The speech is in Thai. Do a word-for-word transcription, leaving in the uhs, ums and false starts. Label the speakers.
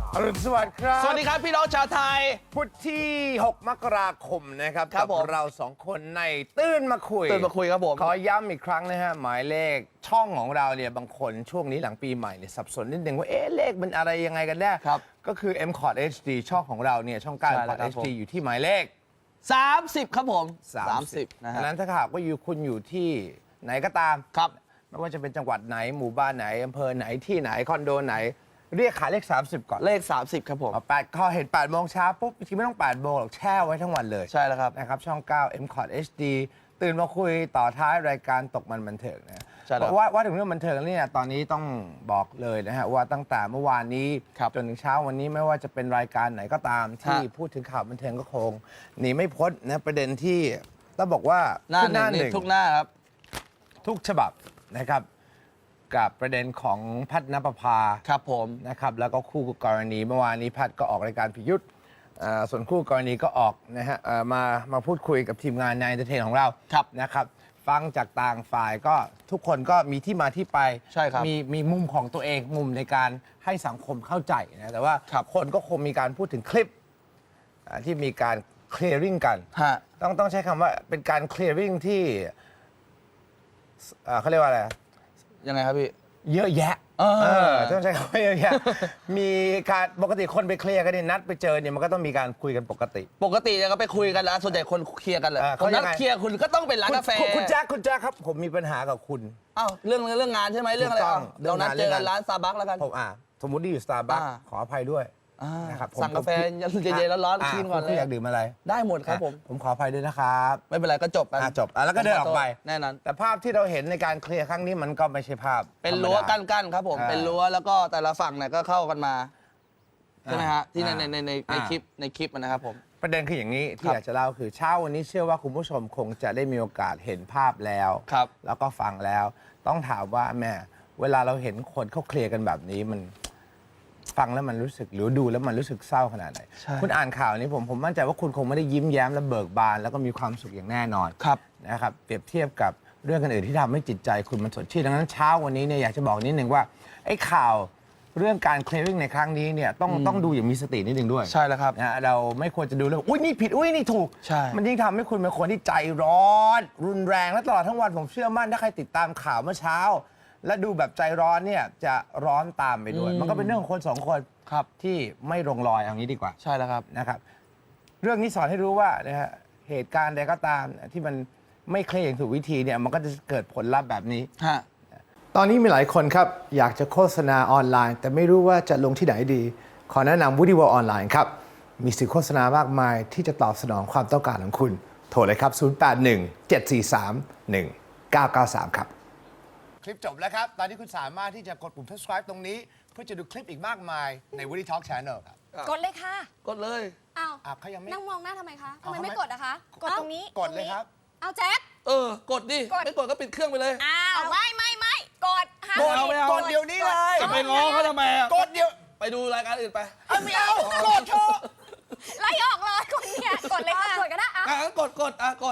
Speaker 1: อรุณสวัสดิ์ครับ
Speaker 2: สวัสดีครับพี่น้องชาวไทย
Speaker 1: พุธที่ หก มกราคมนะครับ
Speaker 2: ครับ
Speaker 1: กั
Speaker 2: ผม
Speaker 1: เราสองคนในตื้นมาคุย
Speaker 2: ตื่นมาคุยครับผม
Speaker 1: ขอย้ำอีกครั้งนะฮะหมายเลขช่องของเราเนี่ยบางคนช่วงนี้หลังปีใหม่เนี่ยสับสนนิดนึงว่าเอ๊ะเลขมันอะไรยังไงกันแน่
Speaker 2: ครับ
Speaker 1: ก็คือ เอ็ม คอร์ด เอช ดี ช่องของเราเนี่ยช่องเก้า
Speaker 2: ใช่
Speaker 1: เอ็ม คอร์ด
Speaker 2: แล้วครั
Speaker 1: เอบ ช
Speaker 2: ผม
Speaker 1: ดี อยู่ที่หมายเลข
Speaker 2: สามสิบครับผม
Speaker 1: สามสิบ
Speaker 2: นะ
Speaker 1: ดัง
Speaker 2: ฮะ
Speaker 1: นั้นถ้าหากว่าอยู่คุณอยู่ที่ไหนก็ตาม
Speaker 2: ครับ
Speaker 1: ไม่ว่าจะเป็นจังหวัดไหนหมู่บ้านไหนอำเภอไหนที่ไหนคอนโดไหน เรียกขายเลข สามสิบ ก่อน
Speaker 2: เลขสามสิบครับผม
Speaker 1: เอาแปดข้อเห็นแปดโมงเช้าปุ๊บจริงๆไม่ต้องแปดโมงหรอกแช่ไว้ทั้งวันเลย
Speaker 2: ใช่แล้วครับ
Speaker 1: นะครับช่อง เก้า เอ็ม คอร์ด เอช ดี ตื่นมาคุยต่อท้ายรายการตกมันบันเทิงนะ
Speaker 2: ใช่แล้ว
Speaker 1: เพราะว่าว่าถึงเรื่องบันเทิงเนี่ยตอนนี้ต้องบอกเลยนะฮะว่าตั้งแต่เมื่อวานนี้
Speaker 2: ครับ
Speaker 1: จนถึงเช้าวันนี้ไม่ว่าจะเป็นรายการไหนก็ตาม ที่
Speaker 2: ฮะ
Speaker 1: พูดถึงข่าวบันเทิงก็คงหนีไม่พ้นนะประเด็นที่ต้องบอกว่า
Speaker 2: หน้า
Speaker 1: ขึ้
Speaker 2: หนึ่งนี่ทุกหน้าครับ
Speaker 1: ทุกฉบับนะครับกับประเด็นของแพทย์ณปภา
Speaker 2: ครับผม
Speaker 1: นะครับแล้วก็คู่กรณีเมื่อวานนี้แพทย์ก็ออกรายการพิยุทธ์เอ่อส่วนคู่กรณีก็ออกนะฮะเอ่อมามาพูดคุยกับทีมงานในเอนเตอร์เทนของเรา
Speaker 2: ครับ
Speaker 1: นะครับฟังจากต่างฝ่ายก็ทุกคนก็มีที่มาที่ไป
Speaker 2: ใช่ครับ
Speaker 1: มีมีมุมของตัวเองมุมในการให้สังคมเข้าใจนะแต่ว่า
Speaker 2: ครับ
Speaker 1: คนก็คงมีการพูดถึงคลิปอ่าที่มีการเคลียร์ริงกัน
Speaker 2: ฮะ
Speaker 1: ต้องต้องใช้คำว่าเป็นการเคลียร์ริงที่เอ่อเขาเรียกว่าอะไร
Speaker 2: ยังไงครับพี่
Speaker 1: เยอะแยะ
Speaker 2: เออ
Speaker 1: เออต้องใช้คำว่าเยอะแยะ มีการปกติคนไปเคลียร์กันเนี่ยนัดไปเจอเนี่ยมันก็ต้องมีการคุยกันปกติ
Speaker 2: ปกติเนี่ยก็ไปคุยกันแล้วส่วนใหญ่คนเคลียร์กันเลย
Speaker 1: เออ
Speaker 2: ค
Speaker 1: เขา
Speaker 2: นนัด
Speaker 1: ยังไง
Speaker 2: เคลียร์คุณก็ต้องเป็นร้านกาแฟ
Speaker 1: คุณคุณแจ๊คคุณแจ๊คครับ ผมมีปัญหากับคุณ
Speaker 2: อ้าวเรื่องเรื่องงานใช่ไหมเรื่องอะไร
Speaker 1: ถูกต้อง
Speaker 2: อ้าวเรานัดเจอกันร้านซาบักแล้วกัน
Speaker 1: ผมอ่ะสมมติที่อยู่สตาร์บัค
Speaker 2: อ่า
Speaker 1: ขออภัยด้วย
Speaker 2: อ่า
Speaker 1: นะครับผม
Speaker 2: สั่งกาแฟ
Speaker 1: ผม
Speaker 2: เย็นๆร้อนๆกินก่อนเลย
Speaker 1: คุณอยากดื่มอะไร
Speaker 2: ได้หมดครับผม
Speaker 1: อ่ะผมขออภัยด้วยนะครับ
Speaker 2: ไม่เป็นไรก็จบกัน
Speaker 1: อ่ะจบอ่ะแล้วก็เดินออกไป
Speaker 2: แน่นอน
Speaker 1: แต่ภาพที่เราเห็นในการเคลียร์ครั้งนี้มันก็ไม่ใช่ภาพ
Speaker 2: เป็น
Speaker 1: ธมดา
Speaker 2: รั้วกั้นๆครับผม
Speaker 1: อ่า
Speaker 2: เป็นรั้วแล้วก็แต่ละฝั่งเนี่ยก็เข้ากันมาใช่ไหมฮะที่ใน
Speaker 1: อ่า
Speaker 2: ในในในใน
Speaker 1: อ่า
Speaker 2: คลิปในคลิปนะครับผม
Speaker 1: ประเด็นคืออย่างนี้ที่
Speaker 2: ครับ
Speaker 1: อยากจะเล่าคือเช้าวันนี้เชื่อว่าคุณผู้ชมคงจะได้มีโอกาสเห็นภาพแล้ว
Speaker 2: ครับ
Speaker 1: แล้วก็ฟังแล้ว ต้องถามว่าแม่เวลาเราเห็นคนเขาเคลียร์กันแบบนี้มันฟังแล้วมันรู้สึกหรือดูแล้วมันรู้สึกเศร้าขนาดไหน
Speaker 2: ใช่
Speaker 1: คุณอ่านข่าวนี้ผมผมมั่นใจว่าคุณคงไม่ได้ยิ้มแย้มและเบิกบาน แล้วก็มีความสุขอย่างแน่นอน
Speaker 2: ครับ
Speaker 1: นะครับเปรียบเทียบกับเรื่องอื่นๆที่ทำให้จิตใจคุณมันสดชื่นดังนั้นเช้าวันนี้เนี่ยอยากจะบอกนิดนึงว่าไอ้ข่าวเรื่องการเคลียร์ริงในครั้งนี้เนี่ยต้องต้องดูอย่างมีสตินิดนึงด้วย
Speaker 2: ใช่แล้วครับ
Speaker 1: นะเราไม่ควรจะดูเลยอุ้ยนี่ผิดอุ้ยนี่ถูก
Speaker 2: ใช่
Speaker 1: มันยิ่งทำให้คุณเป็นคนที่ใจร้อน รุนแรงและตลอดทั้งวันผมเชื่อมั่นถ้าใครติดตามข่าวเมื่อเช้า และดูแบบใจร้อนเนี่ยจะร้อนตามไปด้วย มันก็เป็นเรื่องของคนสองคน
Speaker 2: ครับ
Speaker 1: ที่ไม่ลงรอยเอางี้ดีกว่า
Speaker 2: ใช่แล้วครับ
Speaker 1: นะครับ เรื่องนี้สอนให้รู้ว่านะฮะเหตุการณ์ใดก็ตามที่มันไม่เคลียร์อย่างถูกวิธีเนี่ยมันก็จะเกิดผลลัพธ์แบบนี้
Speaker 2: ฮะ
Speaker 1: ตอนนี้มีหลายคนครับ อยากจะโฆษณาออนไลน์ แต่ไม่รู้ว่าจะลงที่ไหนดี ขอแนะนำ Woody World ออนไลน์ครับ มีสื่อโฆษณามากมายที่จะตอบสนองความต้องการของคุณ โทรเลยครับ ศูนย์ แปด หนึ่ง เจ็ด สี่ สาม หนึ่ง เก้า เก้า สาม ครับ คลิปจบแล้วครับ ตอนนี้คุณสามารถที่จะกดปุ่ม subscribe ตรงนี้ เพื่อจะดูคลิปอีกมากมายใน Woody Talk Channel ครับ
Speaker 3: กดเลยค่ะ
Speaker 2: กดเลย
Speaker 3: อ้าว
Speaker 1: อ่ะเขายังไม่
Speaker 3: นั่งมองหน้าทำไมคะทำไม
Speaker 1: เอาทำไม
Speaker 3: ไม่กดอะคะ กดตรงนี้
Speaker 1: กดเลยครับ
Speaker 3: เอาแจ๊ค
Speaker 2: เออ กดดิ
Speaker 3: กด
Speaker 2: ไม่กดก็ปิดเครื่องไปเลย
Speaker 3: อ้าว ไม่ไม่ไม่กดห้าม
Speaker 2: กดเอาไม่เอา
Speaker 1: กดเดี๋ยวนี้เลย
Speaker 2: จะไปง้อเขาทำไมอ่ะ
Speaker 1: กดเดี๋ยว
Speaker 2: ไปดูรายการอื่นไป
Speaker 1: เอาไม่เอา กดเถอะ
Speaker 3: ไล่ออกเลยคนเนี่ยกดเลยค่ะ กดก็ได้อะ
Speaker 2: อ่ะงั้นกดกดอ่ะกด